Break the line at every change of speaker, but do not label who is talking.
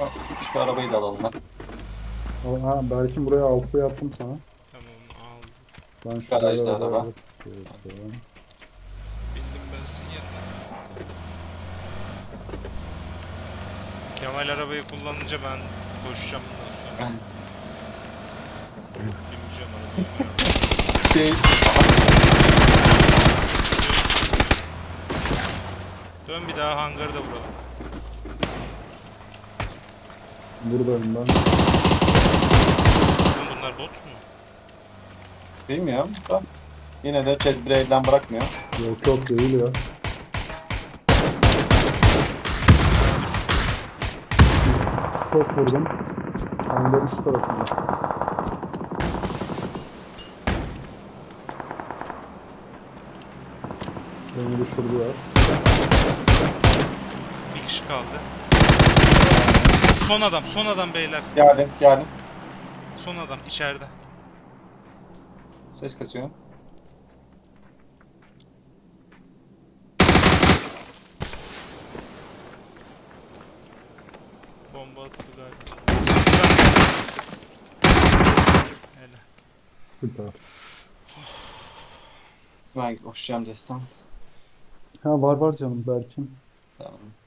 Şu arabayı da alalım lan.
Ha, Berkin buraya 6'ya attım sana.
Tamam aldım.
Ben şu diğer
Garajda
arabaya
araba.
bakıyorum.
Bindim ben sizin yanına. Kemal arabayı kullanınca ben koşacağım bundan sonra. Bineceğim arabaya.
Şey,
Dön bir daha hangarı da vuralım.
Buradayım ben.
Oğlum bunlar bot mu?
bilmiyorum da yine de tedbiri elden bırakmıyor.
Yok yok değil ya. Çok vurdum. Hangarın şu tarafında. Beni düşürdüler.
Bir kişi kaldı. Son adam beyler.
Geldim, geldim.
Son adam içeride.
Ses kasıyor.
Bomba attı galiba. Hele.
Süper.
Ben koşacağım destan.
Ha var var canım Berkin.
Tamam.